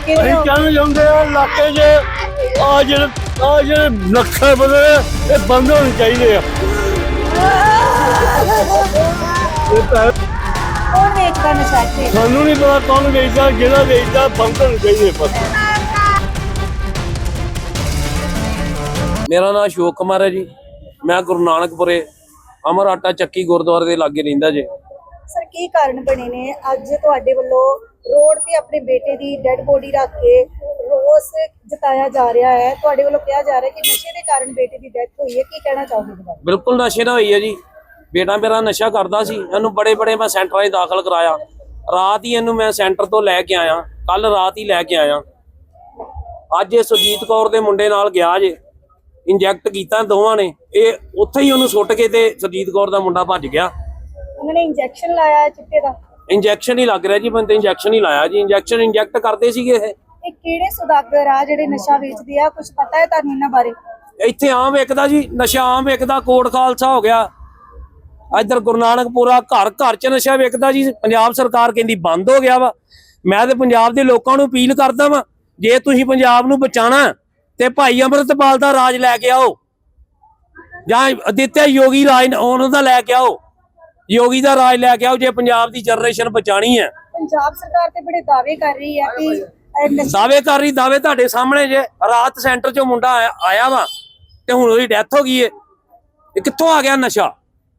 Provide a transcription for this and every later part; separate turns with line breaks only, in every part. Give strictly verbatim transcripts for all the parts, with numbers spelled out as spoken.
ਇਲਾਕੇ ਦੇ ਹੋ।
कहना चाहते हैं इलाके च आ जेह्ड़े आ जेह्ड़े नक्शे बने ये बंद होने चाहिए।
कौन बेचता नशा इत्थे?
सानू नहीं पता कौन बेचता जेह्ड़ा बेचता बंद होने चाहिए बस।
मेरा नाम अशोक कुमार है जी। मैं गुरु नानकपुरे अमर आटा चक्की गुरुद्वारे के लागे रहिंदा जी।
सर की कारण बने ने अज तुहाडे वल्लों रोड ते अपने बेटे दी डेड बॉडी रख के रोस जताया जा रहा है, तुहाडे वल्लों कहा जा रहा है कि नशे के कारण बेटे की डेथ हुई है, की कहना चाहोगे इस बारे?
बिल्कुल नशे ना हुई है जी। बेटा मेरा नशा करता सी, इहनूं बड़े बड़े मैं सेंटरां 'च दाखल कराया। रात ही इहनूं मैं सेंटर तो लैके आया, कल रात ही लैके आया। अज ये सुरजीत कौर दे मुंडे नाल गया जे, इंजैक्ट कीता दोवां ने, ये उत्थे ही उहनूं सुੱਟ के ते सुरजीत कौर दा मुंडा भज गया।
उन्होंने इंजेक्शन लाया है चिट्टे दा?
इंजैक्शन ही लग रहा जी, बंदे इंजैक्शन ही लाया जी। इंजैक्शन इंजैक्ट करते सीगे ये।
ਇਹ ਕਿਹੜੇ ਸੁਦਾਗਰ ਆ ਜਿਹੜੇ ਨਸ਼ਾ ਵੇਚਦੇ ਆ, ਕੁਝ ਪਤਾ ਹੈ ਤੁਹਾਨੂੰ ਇਹਨਾਂ ਬਾਰੇ?
ਇੱਥੇ ਆਮ ਵਿਕਦਾ ਜੀ, ਨਸ਼ਾ ਆਮ ਵਿਕਦਾ। ਕੋਟ ਖਾਲਸਾ ਹੋ ਗਿਆ, ਇੱਧਰ ਗੁਰੂ ਨਾਨਕਪੁਰਾ, ਘਰ ਘਰ ਚ ਨਸ਼ਾ ਵਿਕਦਾ ਜੀ। ਪੰਜਾਬ ਸਰਕਾਰ ਕਹਿੰਦੀ ਬੰਦ ਹੋ ਗਿਆ ਵਾ। ਮੈਂ ਤੇ ਪੰਜਾਬ ਦੇ ਲੋਕਾਂ ਨੂੰ ਅਪੀਲ ਕਰਦਾ ਵਾਂ, ਜੇ ਤੁਸੀਂ ਪੰਜਾਬ ਨੂੰ ਬਚਾਣਾ ਤੇ ਭਾਈ ਅੰਮ੍ਰਿਤਪਾਲ ਦਾ ਰਾਜ ਲੈ ਕੇ ਆਓ, ਜਾਂ ਅਦਿੱਤਿਆ ਯੋਗੀ ਰਾਜ ਉਹਨਾਂ ਦਾ ਲੈ ਕੇ ਆਓ, ਯੋਗੀ ਦਾ ਰਾਜ ਲੈ ਕੇ ਆਓ ਜੇ ਪੰਜਾਬ ਦੀ ਜਨਰੇਸ਼ਨ ਬਚਾਣੀ ਹੈ।
ਪੰਜਾਬ ਸਰਕਾਰ ਤੇ ਬੜੇ ਦਾਅਵੇ ਕਰ ਰਹੀ ਹੈ ਕਿ
ਦਾਅਵੇ ਕਰ ਰਹੀ, ਦਾਅਵੇ ਤੁਹਾਡੇ ਸਾਹਮਣੇ ਜੇ। ਰਾਤ ਸੈਂਟਰ ਚੋਂ ਮੁੰਡਾ ਆਇਆ ਆਇਆ ਵਾ ਤੇ ਹੁਣ ਉਹਦੀ ਡੈਥ ਹੋ ਗਈ ਏ। ਇਹ ਕਿੱਥੋਂ ਆ ਗਿਆ ਨਸ਼ਾ?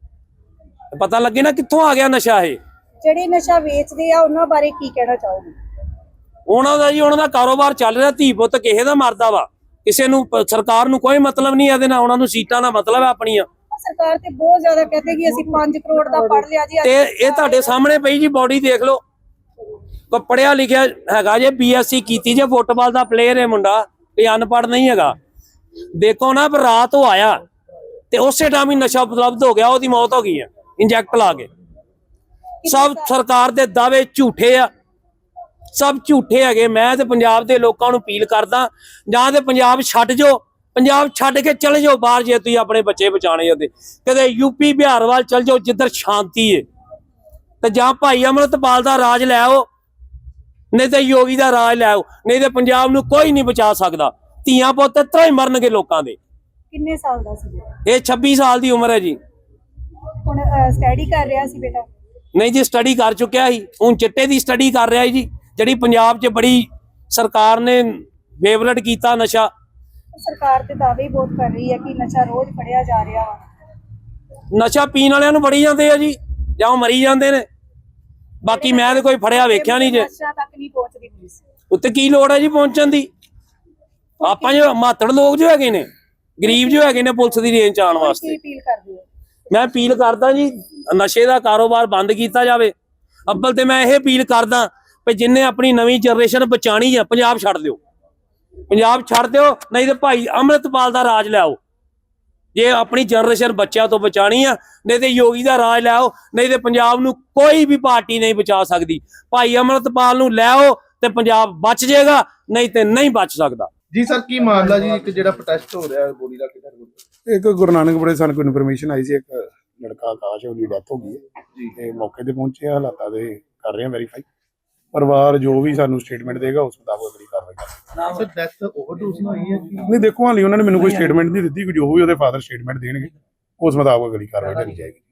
ਪਤਾ ਲੱਗੇ ਨਾ ਕਿੱਥੋਂ ਆ ਗਿਆ ਨਸ਼ਾ। ਇਹ
ਜਿਹੜੇ ਨਸ਼ਾ ਵੇਚਦੇ ਆ ਉਹਨਾਂ ਬਾਰੇ ਕੀ ਕਹਿਣਾ ਚਾਹੋਗੇ?
ਉਹਨਾਂ ਦਾ ਜੀ, ਉਹਨਾਂ ਦਾ ਕਾਰੋਬਾਰ ਚੱਲ ਰਿਹਾ। ਧੀ ਪੁੱਤ ਕਿਸੇ ਦਾ ਮਰਦਾ ਵਾ, ਕਿਸੇ ਨੂੰ ਸਰਕਾਰ ਨੂੰ ਕੋਈ ਮਤਲਬ ਨਹੀਂ ਇਹਦੇ ਨਾਲ। ਉਹਨਾਂ ਨੂੰ ਸੀਟਾਂ ਦਾ ਮਤਲਬ ਹੈ ਆਪਣੀਆਂ।
ਸਰਕਾਰ ਤੇ ਬਹੁਤ ਜ਼ਿਆਦਾ ਕਹਿੰਦੇ ਕਿ ਅਸੀਂ ਪੰਜ ਕਰੋੜ ਦਾ ਪੜ ਲਿਆ ਜੀ।
ਤੇ ਇਹ ਤੁਹਾਡੇ ਸਾਹਮਣੇ ਪਈ ਜੀ ਬੋਡੀ ਦੇਖ ਲਓ। ਕੋ ਪੜਿਆ ਲਿਖਿਆ ਹੈਗਾ ਜੇ, ਬੀਐਸਸੀ ਕੀਤੀ ਜੇ, ਫੁੱਟਬਾਲ ਦਾ ਪਲੇਅਰ ਹੈ ਮੁੰਡਾ, ਇਹ ਅਨਪੜ੍ਹ ਨਹੀਂ ਹੈਗਾ। ਦੇਖੋ ਨਾ, ਪਰ ਰਾਤ ਉਹ ਆਇਆ ਤੇ ਉਸੇ ਟਾਈਮ ਹੀ ਨਸ਼ਾ ਉਪਲਬਧ ਹੋ ਗਿਆ, ਉਹਦੀ ਮੌਤ ਹੋ ਗਈ ਹੈ ਇੰਜੈਕਟ ਲਾ ਕੇ। ਸਭ ਸਰਕਾਰ ਦੇ ਦਾਅਵੇ ਝੂਠੇ ਆ, ਸਭ ਝੂਠੇ ਹੈਗੇ। ਮੈਂ ਤੇ ਪੰਜਾਬ ਦੇ ਲੋਕਾਂ ਨੂੰ ਅਪੀਲ ਕਰਦਾ, ਜਾਂ ਤੇ ਪੰਜਾਬ ਛੱਡ ਜਾਓ, ਪੰਜਾਬ ਛੱਡ ਕੇ ਚਲੇ ਜਾਓ ਬਾਹਰ ਜੇ ਤੁਸੀਂ ਆਪਣੇ ਬੱਚੇ ਬਚਾਣੇ ਉਹਦੇ। ਕਦੇ ਯੂਪੀ ਬਿਹਾਰ ਵੱਲ ਚਲ ਜਾਓ ਜਿੱਧਰ ਸ਼ਾਂਤੀ ਹੈ, ਤੇ ਜਾਂ ਭਾਈ ਅੰਮ੍ਰਿਤਪਾਲ ਦਾ ਰਾਜ ਲੈ ਆਓ, ਨਹੀਂ ਤੇ ਯੋਗੀ ਦਾ ਰਾਜ ਲੈ ਆਓ। ਨਹੀਂ ਤੇ ਪੰਜਾਬ ਨੂੰ ਕੋਈ ਨਹੀਂ ਬਚਾ ਸਕਦਾ। ਧੀਆਂ ਪੁੱਤ ਤਰ੍ਹਾਂ ਹੀ ਮਰਨਗੇ ਲੋਕਾਂ ਦੇ।
ਕਿੰਨੇ ਸਾਲ ਦਾ ਸੀ?
ਇਹ ਛੱਬੀ ਸਾਲ ਦੀ ਉਮਰ ਹੈ ਜੀ।
ਹੁਣ ਸਟੱਡੀ ਕਰ ਰਿਹਾ ਸੀ ਬੇਟਾ?
ਨਹੀਂ ਜੀ, ਸਟੱਡੀ ਕਰ ਚੁੱਕਿਆ ਸੀ, ਹੁਣ ਚਿੱਟੇ ਦੀ ਸਟੱਡੀ ਕਰ ਰਿਹਾ ਜੀ, ਜਿਹੜੀ ਪੰਜਾਬ 'ਚ ਬੜੀ ਸਰਕਾਰ ਨੇ ਫੇਵਰਟ ਕੀਤਾ ਨਸ਼ਾ।
ਸਰਕਾਰ ਤੇ ਦਾਅਵੇ ਹੀ ਬਹੁਤ ਕਰ ਰਹੀ ਹੈ ਕਿ ਨਸ਼ਾ ਰੋਜ਼ ਫੜਿਆ ਜਾ ਰਿਹਾ ਵਾ।
ਨਸ਼ਾ ਪੀਣ ਵਾਲਿਆਂ ਨੂੰ ਫੜੀ ਜਾਂਦੇ ਆ ਜੀ, ਜਾਂ ਉਹ ਮਰੀ ਜਾਂਦੇ ਨੇ। ਬਾਕੀ ਮੈਂ ਤੇ ਕੋਈ ਫੜਿਆ ਵੇਖਿਆ ਨਹੀਂ ਜੇ।
ਨਸ਼ਾ ਤੱਕ ਨਹੀਂ ਪਹੁੰਚਦੀ ਪੁਲਿਸ।
ਉੱਤੇ ਕੀ ਲੋੜ ਹੈ ਜੀ ਪਹੁੰਚਣ ਦੀ? ਆਪਾਂ ਜੋ ਮਾਤੜ ਲੋਕ ਜੋ ਹੈਗੇ ਨੇ, ਗਰੀਬ ਜੋ ਹੈਗੇ ਨੇ, ਪੁਲਿਸ ਦੀ ਰੇਂਜ 'ਚ ਆਉਣ ਵਾਸਤੇ।
ਕੀ ਅਪੀਲ ਕਰਦੇ ਹੋ?
ਮੈਂ ਅਪੀਲ ਕਰਦਾ ਜੀ, ਨਸ਼ੇ ਦਾ ਕਾਰੋਬਾਰ ਬੰਦ ਕੀਤਾ ਜਾਵੇ। ਅੱਬਲ ਤੇ ਮੈਂ ਇਹ ਅਪੀਲ ਕਰਦਾ ਵੀ ਜਿੰਨੇ ਆਪਣੀ ਨਵੀਂ ਜਨਰੇਸ਼ਨ ਬਚਾਣੀ ਆ, ਪੰਜਾਬ ਛੱਡ ਦਿਓ, ਪੰਜਾਬ ਛੱਡ ਦਿਓ। ਨਹੀਂ ਤੇ ਭਾਈ ਅੰਮ੍ਰਿਤਪਾਲ ਦਾ ਰਾਜ ਲਿਆਓ ਜੇ ਆਪਣੀ ਜਨਰੇਸ਼ਨ ਬੱਚਿਆਂ ਤੋਂ ਬਚਾਣੀ ਆ। ਨਹੀਂ ਤੇ ਯੋਗੀ ਦਾ ਰਾਜ ਲਿਆਓ, ਨਹੀਂ ਤੇ ਪੰਜਾਬ ਨੂੰ ਕੋਈ ਵੀ ਪਾਰਟੀ ਨਹੀਂ ਬਚਾ ਸਕਦੀ। ਭਾਈ ਅੰਮ੍ਰਿਤਪਾਲ ਨੂੰ ਲਿਆਓ ਤੇ ਪੰਜਾਬ ਬਚ ਜਾਏਗਾ, ਨਹੀਂ ਤੇ ਨਹੀਂ ਬਚ ਸਕਦਾ
ਜੀ। ਸਰ ਕੀ ਮਾਮਲਾ ਜੀ, ਇੱਕ ਜਿਹੜਾ ਪ੍ਰੋਟੈਸਟ ਹੋ ਰਿਹਾ ਬੋਡੀ ਦਾ ਕਿਹੜਾ?
ਇੱਕ ਗੁਰੂ ਨਾਨਕਪੁਰੇ ਸਾਨੂੰ ਕੋਈ ਇਨਫੋਰਮੇਸ਼ਨ ਆਈ ਸੀ, ਇੱਕ ਲੜਕਾ ਆਕਾਸ਼, ਉਹਦੀ ਡੈਥ ਹੋ ਗਈ ਹੈ ਜੀ। ਤੇ ਮੌਕੇ ਤੇ ਪਹੁੰਚੇ, ਹਾਲਾਤਾਂ ਦੇ ਕਰ ਰਹੇ ਹਾਂ ਵੈਰੀਫਾਈ। ਪਰਿਵਾਰ ਜੋ ਵੀ ਸਾਨੂੰ ਸਟੇਟਮੈਂਟ ਦੇਗਾ ਉਸ ਮੁਤਾਬਕ ਅਗਲੀ ਕਾਰਵਾਈ ਕਰਾਂਗੇ।
ਸਰ ਡੈਥ ਓਵਰਡੋਜ਼ ਨਾਲ ਹੋਈ ਹੈ ਕਿ
ਨਹੀਂ, ਦੇਖੋ ਹਾਲੀ ਉਹਨਾਂ ਨੇ ਮੈਨੂੰ ਕੋਈ ਸਟੇਟਮੈਂਟ ਨਹੀਂ ਦਿੱਤੀ, ਜੋ ਵੀ ਉਹਦੇ ਫਾਦਰ ਸਟੇਟਮੈਂਟ ਦੇਣਗੇ ਉਸ ਮੁਤਾਬਕ ਅਗਲੀ ਕਾਰਵਾਈ ਕਰੀ ਜਾਏਗੀ।